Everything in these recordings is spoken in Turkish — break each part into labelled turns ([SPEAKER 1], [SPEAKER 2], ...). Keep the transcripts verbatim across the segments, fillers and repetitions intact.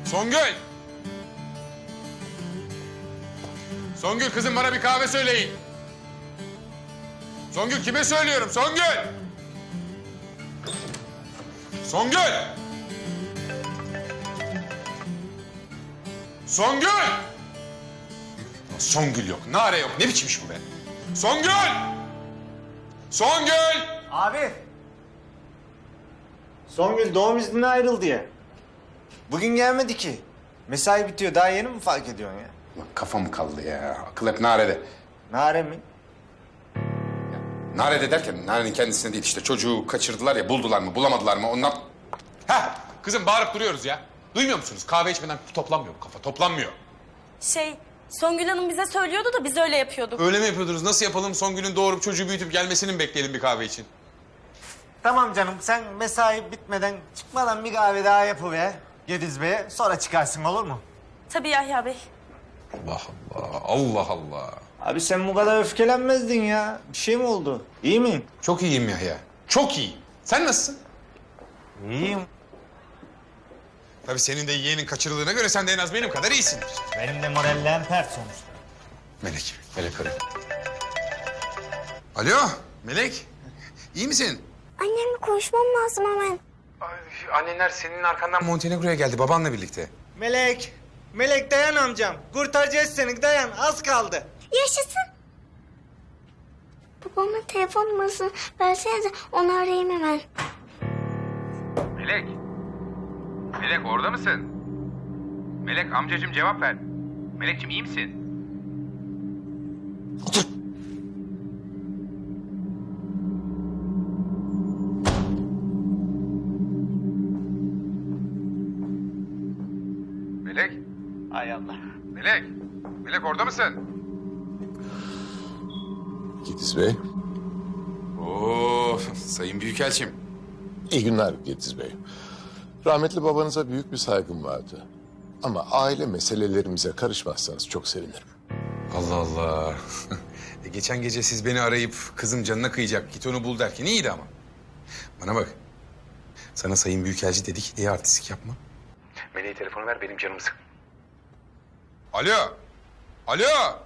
[SPEAKER 1] Songül! Songül kızım bana bir kahve söyleyin. Songül kime söylüyorum? Songül! Songül! Songül! Songül yok, Nare yok. Ne biçim iş bu be? Songül! Songül!
[SPEAKER 2] Abi. Songül doğum iznine ayrıldı ya. Bugün gelmedi ki. Mesai bitiyor. Daha yeni mi fark ediyorsun ya?
[SPEAKER 1] Ulan kafam kaldı ya. Akıl hep Nare'de.
[SPEAKER 2] Nare mi?
[SPEAKER 1] Nare'de derken Nare'nin kendisine değil işte. Çocuğu kaçırdılar ya, buldular mı, bulamadılar mı ondan... Heh, kızım bağırıp duruyoruz ya. Duymuyor musunuz? Kahve içmeden toplanmıyor bu kafa, toplanmıyor.
[SPEAKER 3] Şey, Songül Hanım bize söylüyordu da biz öyle yapıyorduk.
[SPEAKER 1] Öyle mi yapıyordunuz? Nasıl yapalım? Songül'ün doğurup çocuğu büyütüp gelmesini mi bekleyelim bir kahve için?
[SPEAKER 2] Tamam canım. Sen mesai bitmeden çıkmadan bir kahve daha yapıver Gediz Bey'e. Sonra çıkarsın, olur mu?
[SPEAKER 3] Tabii Yahya Bey.
[SPEAKER 1] Allah Allah, Allah Allah.
[SPEAKER 2] Abi sen bu kadar öfkelenmezdin ya. Bir şey mi oldu? İyi mi?
[SPEAKER 1] Çok iyiyim Yahya. Çok iyi. Sen nasılsın?
[SPEAKER 2] İyiyim.
[SPEAKER 1] Tabii senin de yeğenin kaçırıldığına göre sen de en az benim kadar iyisindir.
[SPEAKER 2] Benim de morallerim pert sonuçta.
[SPEAKER 1] Melek, Melek arıyor. Alo, Melek. İyi misin?
[SPEAKER 4] Annemle konuşmam lazım hemen.
[SPEAKER 1] Annenler senin arkandan Montenegro'ya geldi babanla birlikte.
[SPEAKER 2] Melek. Melek dayan amcam. Kurtaracağız seni, dayan. Az kaldı.
[SPEAKER 4] Yaşasın. Babamın telefon numarasını versenize, onu arayayım hemen.
[SPEAKER 5] Melek. Melek orada mısın? Melek amcacığım cevap ver. Melekciğim iyi misin? Melek.
[SPEAKER 2] Hay Allah.
[SPEAKER 5] Melek. Melek orada mısın?
[SPEAKER 6] Gediz Bey.
[SPEAKER 1] Oo, sayın büyükelçim.
[SPEAKER 6] İyi günler Gediz Bey. Rahmetli babanıza büyük bir saygım vardı. Ama aile meselelerimize karışmazsanız çok sevinirim.
[SPEAKER 1] Allah Allah. e, geçen gece siz beni arayıp kızım canına kıyacak, git onu bul derken iyiydi ama. Bana bak. Sana sayın büyükelçi dedik diye artistik yapma. Meleğe telefonu ver, benim canımı sık. Alo. Alo.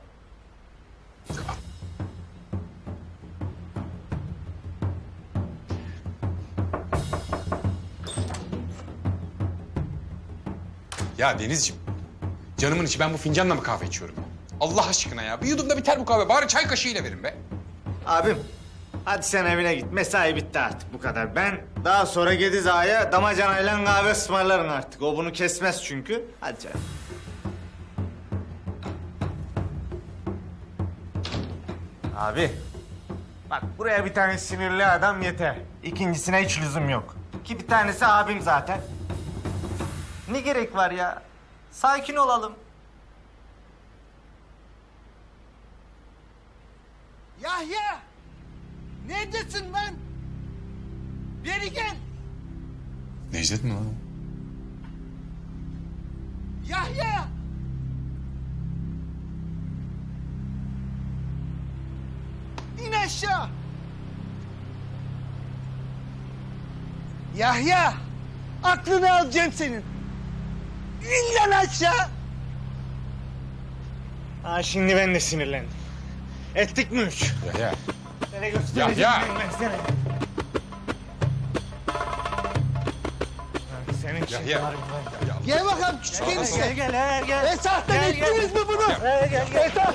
[SPEAKER 1] Ya Denizciğim, canımın içi ben bu fincanla mı kahve içiyorum? Allah aşkına ya, bir yudumda biter bu kahve. Bari çay kaşığıyla verin be.
[SPEAKER 2] Abim, hadi sen evine git. Mesai bitti artık, bu kadar. Ben daha sonra Gediz Ağa'ya damacanayla kahve ısmarlarım artık. O bunu kesmez çünkü. Hadi canım. Abi, bak buraya bir tane sinirli adam yeter. İkincisine hiç lüzum yok. Ki bir tanesi abim zaten. Ne gerek var ya? Sakin olalım.
[SPEAKER 7] Yahya! Neredesin lan? Beri gel!
[SPEAKER 1] Necdet mi lan?
[SPEAKER 7] Yahya! İn aşağı! Yahya! Aklını alacağım senin. İn lan aşağı!
[SPEAKER 2] Ha şimdi ben de sinirlendim. Ettik mi üç?
[SPEAKER 1] Yahya.
[SPEAKER 2] Nereye göstereceğim
[SPEAKER 1] Yahya!
[SPEAKER 2] ben sana? Ha, Senin için
[SPEAKER 1] Yahya.
[SPEAKER 2] var mı lan?
[SPEAKER 7] Gel bakalım küçük
[SPEAKER 2] Gel
[SPEAKER 7] enişte.
[SPEAKER 2] gel gel gel.
[SPEAKER 7] Esah'tan
[SPEAKER 2] Gel, gel.
[SPEAKER 7] ettiniz mi bunu?
[SPEAKER 2] Gel gel gel.
[SPEAKER 7] Esah!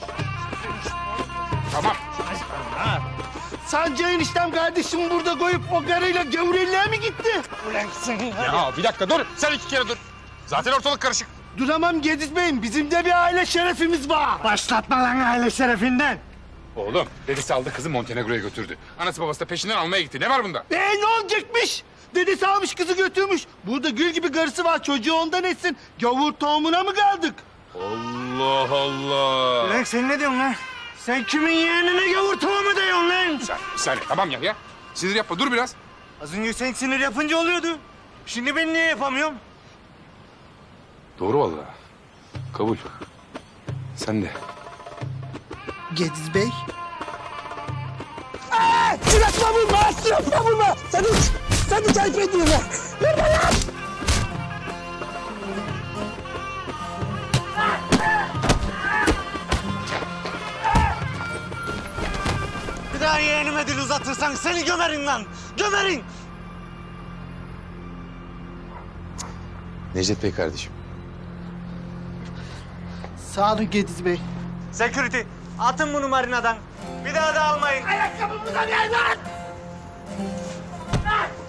[SPEAKER 1] Tamam.
[SPEAKER 2] Ha.
[SPEAKER 7] Sancı eniştem kardeşimi burada koyup o karıyla gavurelliğe mi gitti?
[SPEAKER 2] Ulan sen
[SPEAKER 1] Ya bir dakika dur. Sen iki kere dur. Zaten ortalık karışık.
[SPEAKER 7] Duramam Gediz Bey'im. Bizim de bir aile şerefimiz var.
[SPEAKER 2] Başlatma lan aile şerefinden.
[SPEAKER 1] Oğlum, dedesi aldı kızı Montenegro'ya götürdü. Anası babası da peşinden almaya gitti. Ne var bunda?
[SPEAKER 7] Ee ne olacakmış? Dedesi almış kızı götürmüş. Burada gül gibi karısı var. Çocuğu ondan etsin. Gavur tohumuna mı kaldık?
[SPEAKER 1] Allah Allah.
[SPEAKER 2] Ulan sen ne diyorsun lan? Sen kimin yeğenine gavur tohumu diyorsun lan?
[SPEAKER 1] Sen, bir saniye. Tamam Yahya. Sinir yapma. Dur biraz.
[SPEAKER 2] Az önce sen sinir yapınca oluyordu. Şimdi ben niye yapamıyorum?
[SPEAKER 1] Doğru vallahi. Kabul. Sen de.
[SPEAKER 7] Gediz Bey. Aa, suratına vurma, suratına vurma. Sen uç, sen uç ayıp ediyorsun. Vurma lan.
[SPEAKER 2] daha yeğenime dil uzatırsan seni gömerin lan. Gömerin.
[SPEAKER 1] Necdet Bey kardeşim.
[SPEAKER 7] Sağ olun Gediz Bey.
[SPEAKER 2] Security, atın bunu marinadan. Bir daha da almayın.
[SPEAKER 7] Ayakkabımıza gel lan!